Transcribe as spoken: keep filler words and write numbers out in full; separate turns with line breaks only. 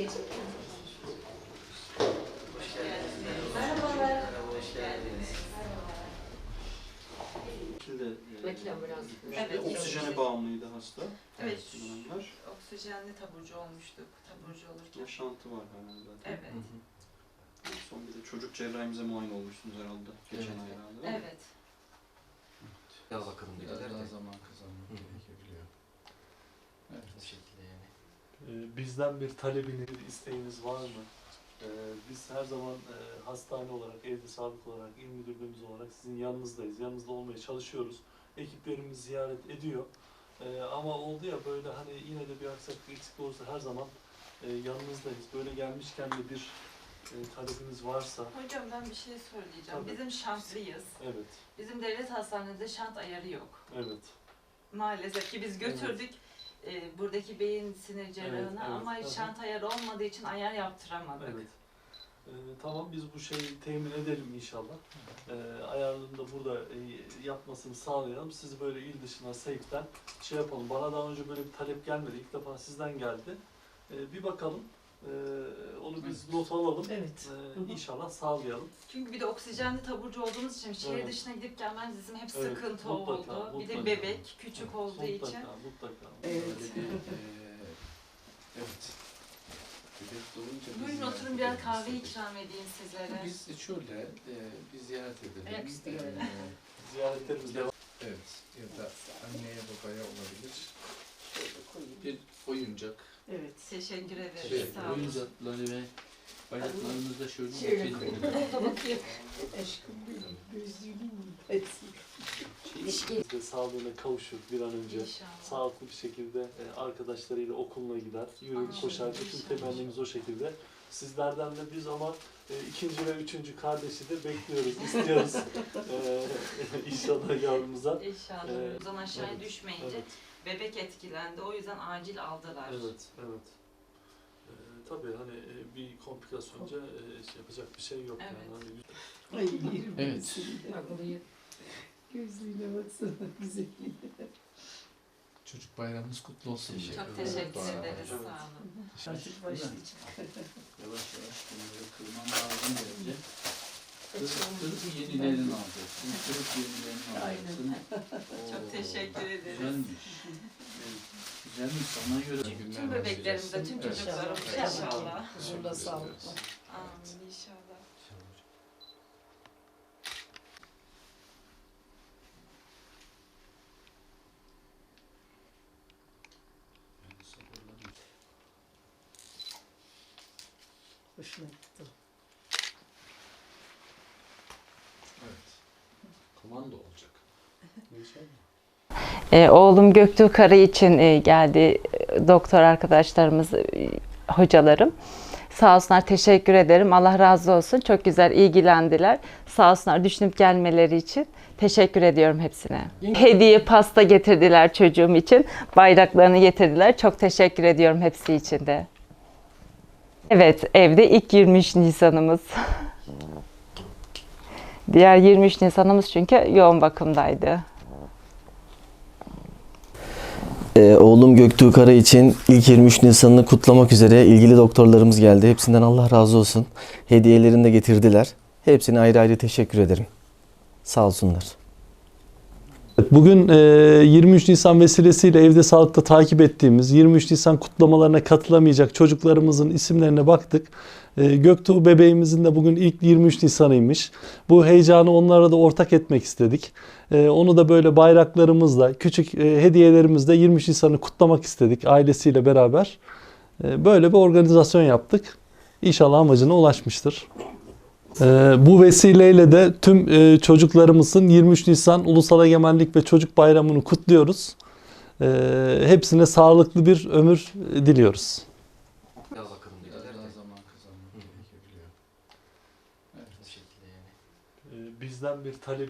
Merhabalar. Hoş geldiniz.
Şimdi e,
Evet.
oksijene bağımlıydı hasta.
Evet.
Dönemler.
Oksijenli taburcu olmuştuk. Taburcu olurken.
Yaşantı var herhalde zaten.
Evet.
Son bir de çocuk cerrahimize muayene olmuşsunuz herhalde. Geçen
Evet.
ay herhalde. değil mi?
Evet.
Daha bakalım
Biraz
dediler
daha
de.
zaman kazanmak
Hı.
gerekebiliyor. Evet.
Bu şekilde yani.
Ee, Bizden bir talebiniz, bir isteğiniz var mı? Ee, Biz her zaman e, hastane olarak, evde sağlık olarak, il müdürlüğümüz olarak sizin yanınızdayız. Yanınızda olmaya çalışıyoruz. Ekiplerimiz ziyaret ediyor. Ee, Ama oldu ya böyle hani yine de bir aksaklık eksik olursa her zaman e, yanınızdayız. Böyle gelmişken de bir e, talebiniz varsa.
Hocam ben bir şey söyleyeceğim.
Tabii.
Bizim şanslıyız.
Evet,
Bizim devlet hastanelerinde şant ayarı yok.
evet.
Maalesef ki biz götürdük e, buradaki beyin sinir cerrahına
Evet, evet.
ama
Hı hı.
şant ayarı olmadığı için ayar yaptıramadık.
Evet. Ee, tamam biz bu şeyi temin edelim inşallah. Ee, ayarını da burada e, yapmasını sağlayalım. Sizi böyle il dışına seyften şey yapalım. Bana daha önce böyle bir talep gelmedi. İlk defa sizden geldi. Ee, bir bakalım. Ee, onu biz
Evet.
not alalım.
Evet.
Ee, inşallah sağlayalım.
Çünkü bir de oksijenli taburcu olduğumuz için şehir
Evet.
dışına gidip gelmemiz bizim hep
Evet,
sıkıntı
mutlaka,
oldu. Bir de
mutlaka.
bebek küçük olduğu
mutlaka,
için.
mutlaka.
Evet.
Böyle bir, eee, evet. Bebek doğunca biz
Buyurun
ziyaret
oturun biraz
edelim
kahve
istedik.
ikram edeyim sizlere.
Biz şöyle, eee bir ziyaret edelim.
Ayaküstü
Eee,
görelim.
Ziyaretlerimiz devam.
evet, ya da anneye babaya olabilir.
Şöyle koyayım.
Bir oyuncak.
Evet.
Teşekkür ederiz.
Şey,
Sağ olun.
Oyuncakları ve bayraklarımızı da şöyle
Şöyle
geçelim.
koyayım. Orada bakayım. Aşkım benim, gözlüğünün hepsi.
Biz de sağlığına kavuşur bir an önce.
İnşallah.
Sağlıklı bir şekilde e, arkadaşlarıyla okuluna gider, yürür,
Amin.
koşar. Bütün
İnşallah.
temennimiz o şekilde. Sizlerden de biz ama e, ikinci ve üçüncü kardeşi de bekliyoruz, istiyoruz. e, inşallah yavrumuza.
İnşallah.
Ee,
Buradan aşağıya
evet,
düşmeyince
Evet,
bebek etkilendi. O yüzden acil aldılar.
evet, evet. E, tabii hani e, bir komplikasyonca e, şey yapacak bir şey yok.
Evet.
Yani. Hani,
Ay yerim
Evet.
seni. Gözlüğüne baksana güzelliğine.
Çocuk bayramımız kutlu olsun.
Teşekkür
Çok
Evet.
teşekkür
Doğru.
ederiz.
Evet.
Sağ olun.
Artık başlayacak.
Yavaş yavaş bunları kırmam lazım bence. Kırıp kırıp yenilerini alacaksın. Kırıp yenilerini alacaksın.
Çok
Oo,
teşekkür ederiz.
Güzelmiş. Güzelmiş sana göre.
Tüm bebeklerimize, tüm
Evet.
çocuklarımıza
İnşallah.
inşallah.
Huzurla sağlık.
Amin inşallah.
Hoşuna gitti.
Evet. Komando olacak.
İnşallah.
E, oğlum Göktuğ Karı için e, geldi e, doktor arkadaşlarımız, e, hocalarım. Sağ olsunlar, teşekkür ederim. Allah razı olsun. Çok güzel ilgilendiler. Sağ olsunlar düşünüp gelmeleri için. Teşekkür ediyorum hepsine. Hediye pasta getirdiler çocuğum için. Bayraklarını getirdiler. Çok teşekkür ediyorum hepsi için de. Evet, evde ilk yirmi üç Nisan'ımız. Diğer yirmi üç Nisan'ımız çünkü yoğun bakımdaydı.
Ee, oğlum Göktuğ Kara için ilk yirmi üç Nisan'ını kutlamak üzere ilgili doktorlarımız geldi. Hepsinden Allah razı olsun. Hediyelerini de getirdiler. Hepsine ayrı ayrı teşekkür ederim. Sağ olsunlar.
Bugün e, yirmi üç Nisan vesilesiyle evde sağlıkta takip ettiğimiz yirmi üç Nisan kutlamalarına katılamayacak çocuklarımızın isimlerine baktık. E, Göktuğ bebeğimizin de bugün ilk yirmi üç Nisan'ıymış. Bu heyecanı onlara da ortak etmek istedik. E, onu da böyle bayraklarımızla, küçük e, hediyelerimizle yirmi üç Nisan'ı kutlamak istedik ailesiyle beraber. E, böyle bir organizasyon yaptık. İnşallah amacına ulaşmıştır. Ee, bu vesileyle de tüm e, çocuklarımızın yirmi üç Nisan Ulusal Egemenlik ve Çocuk Bayramı'nı kutluyoruz. Ee, hepsine sağlıklı bir ömür diliyoruz.
Daha bakalım
Biraz
dediler
daha
de.
zaman kazanmak
Hı.
gerekebiliyor. Evet.
Bu şekilde yani.
Bizden bir talep